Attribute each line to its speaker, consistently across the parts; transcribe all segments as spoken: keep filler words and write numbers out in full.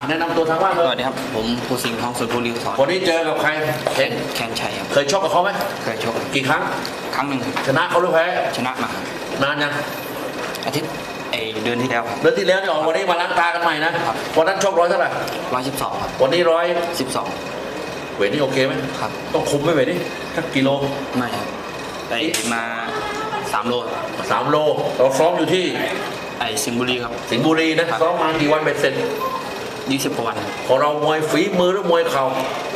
Speaker 1: แนะนำตัวทางว่านเล
Speaker 2: ส
Speaker 1: ย
Speaker 2: วัสดีครับผมภูสิงห์ทองสุดบุรีสอน
Speaker 1: วันนี้เจอกับใคร
Speaker 2: แคน แคนชัยครับ
Speaker 1: เคยชกกับเขาไหม
Speaker 2: เคยชก
Speaker 1: กี่ครั้ง
Speaker 2: ครั้งหนึ่ง
Speaker 1: ชนะเขาหรือแพ้
Speaker 2: ชนะมา
Speaker 1: นานยัง
Speaker 2: อาทิตย์ไอเดือนที่แล้วครับ
Speaker 1: เดือนที่แล้วนี่ออกวันนี้มาล้างตากันใหม่นะวันนั้นชกร้อยเท่าไหร่
Speaker 2: ร้อยสิบสองครับ
Speaker 1: วันนี้ร้อย
Speaker 2: สิบสอง
Speaker 1: เวทนี่โอเคไหม
Speaker 2: ครับ
Speaker 1: ต้องคุมไหมเวทนี่สักกิโล
Speaker 2: ไม่ครับไปมาสามโล
Speaker 1: สามโลเราซ้อมอยู่ที่
Speaker 2: ไอสิงห์บุรีครับ
Speaker 1: สิงห์บุรีนะซ้อมมากี่วันเป็นเสร็จ
Speaker 2: ยี่สิบกว่าวันครับ
Speaker 1: ของเรามวยฝีมือหรือมวยเข่าม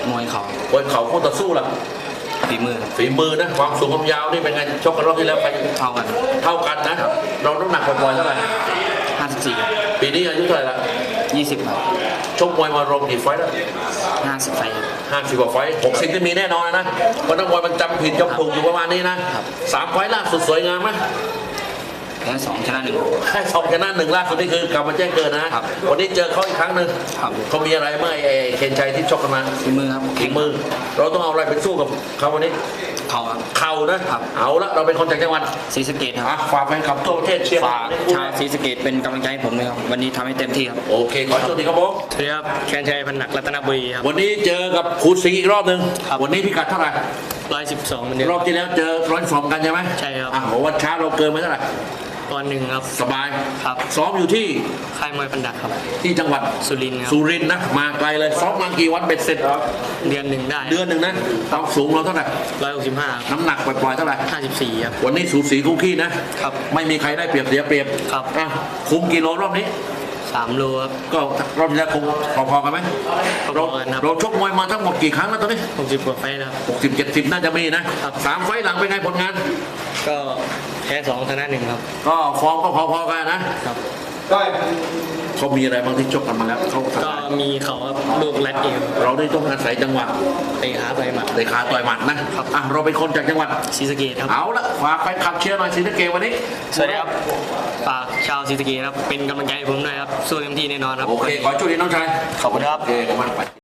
Speaker 2: วยเขา
Speaker 1: มวยเข่าคู่ต่อสู้ล่ะ
Speaker 2: ฝีมือ
Speaker 1: ฝีมือนะความสูงความยาวนี่เป็นไงชกกันรอบที่แล้วใคร
Speaker 2: เท่ากัน
Speaker 1: เท่ากันนะเราน้ำหนักปล่อยๆเท่าไหร่
Speaker 2: ห้าสิบสี่
Speaker 1: ปีนี้อายุเท่าไหร่ละ
Speaker 2: ยี่สิบครับ
Speaker 1: ชกมวยมารวมกี่ไฟต์แล้ว
Speaker 2: ห้าสิบไฟครับ
Speaker 1: ห้าสิบกว่าไฟต์หกสิบที่มีแน่นอนนะเพราะนักมวยมันจำผิดจำถูกอยู่ประมาณนี้นะครับ สามไฟต์ล่าสุดสวยงามไหม
Speaker 2: แพ้สองชนะหนึ่ง
Speaker 1: แค่สองชนะหนึ่งล่าสุดนี่คือกลับมาแจ้งเกิดนะครับ วันนี้เจอเขาอีกครั้งหนึ่ง
Speaker 2: ครับ
Speaker 1: เขามีอะไรเมื่อไอ้เคนชัยที่ชกกันมา
Speaker 2: ฝีมือครับ
Speaker 1: ฝีมือ เราต้องเอาอะไรไปสู้กับเขาวันนี้
Speaker 2: เขาครับ
Speaker 1: เข่านะครับ เอาละเราเป็นคนจากจังหวัด
Speaker 2: ศรีสะเกษค
Speaker 1: อ่ะ
Speaker 2: รับ
Speaker 1: ฝากแฟนคลับทั่วประเทศเชียร์
Speaker 2: ฝากชาวศรีสะเกษเป็นกำลังใจให้ผมด้วยครับวันนี้ทำให้เต็มที่ครับ
Speaker 1: โอเคขอโชคดีครับผม
Speaker 2: สวัสดีครับแคนชัยพันหนักรัตนบุรีครับ
Speaker 1: วันนี้เจอกับครูสิงห์อีกรอบหนึ่ง
Speaker 2: ครับ
Speaker 1: วันนี้พิกัดเท่าไหร่
Speaker 2: ร้อยสิบสองเหมือนเดิม
Speaker 1: รอบที่แล้วเจอร้อยสองกันใช่ไหม
Speaker 2: ใช่ครับ
Speaker 1: อ่ะวันเช้าเราเกินมาเท่าไหร่
Speaker 2: ตอนหนึ่งครับ
Speaker 1: สบาย
Speaker 2: ครับ
Speaker 1: ซ้อมอยู่ที่
Speaker 2: ค่ายมวยพันดักครับ
Speaker 1: ที่จังหวัด
Speaker 2: สุรินทร์ครับ
Speaker 1: สุรินทร์นะมาไกลเลยซ้อมมากี่วันเบ็ดเสร็จ
Speaker 2: เดือนหนึ่งได้
Speaker 1: เดือนหนึ่งนะความสูงเราเท่าไหร่
Speaker 2: ร้อยหกสิบห้า
Speaker 1: น้ำหนักปล่อยๆเท่าไหร่
Speaker 2: ห้าสิบสี่ครับ
Speaker 1: วันนี้สูสีคู่ขี้นะครับ ไม่มีใครได้เปรียบเสียเปรียบ
Speaker 2: ครับ
Speaker 1: อ่ะคุมกิโลรอบนี้
Speaker 2: สามโลครับ
Speaker 1: ก็รอบที่แล้วคงพอๆกันไหม
Speaker 2: พอๆ
Speaker 1: เรา
Speaker 2: กันครับ
Speaker 1: เราชกมวยมาทั้งหมดกี่ครั้งแล้วตอนนี้
Speaker 2: หกสิบกว่าไฟล์นะครับ
Speaker 1: หกสิบเจ็ดสิบน่าจะมีนะครับ สามไฟล์หลังเป็นไงผลงาน
Speaker 2: ก็แพ้สองชนะหนึ่งครับ
Speaker 1: ก็ฟอร์มก็พอๆกันนะครับ เขามีอะไรบางที่ชกกันมาแล้วเขา
Speaker 2: ก็มีเขาครับลูกแรดเอว
Speaker 1: เราได้ต้องอาศัยจังหวะ
Speaker 2: เตะขาไปหมัด
Speaker 1: เตะขาต่อยหมัดนะครับ อ่ะเราเป็นคนจากจังหวัด
Speaker 2: ศรีสะเกษครับ
Speaker 1: เอาละฝากแฟนคลับเชียร์หน่อยสิทเกวันนี้
Speaker 2: สวัสดีครับฝากชาวศรีสะเกษครับเป็นกำลังใจให้ผมด้วยครับสู้เต็มที่แน่นอนครับ
Speaker 1: โอเค ขอโชคดีน้องชาย
Speaker 2: ขอบคุณครับ
Speaker 1: โอเคขอบคุณมากไป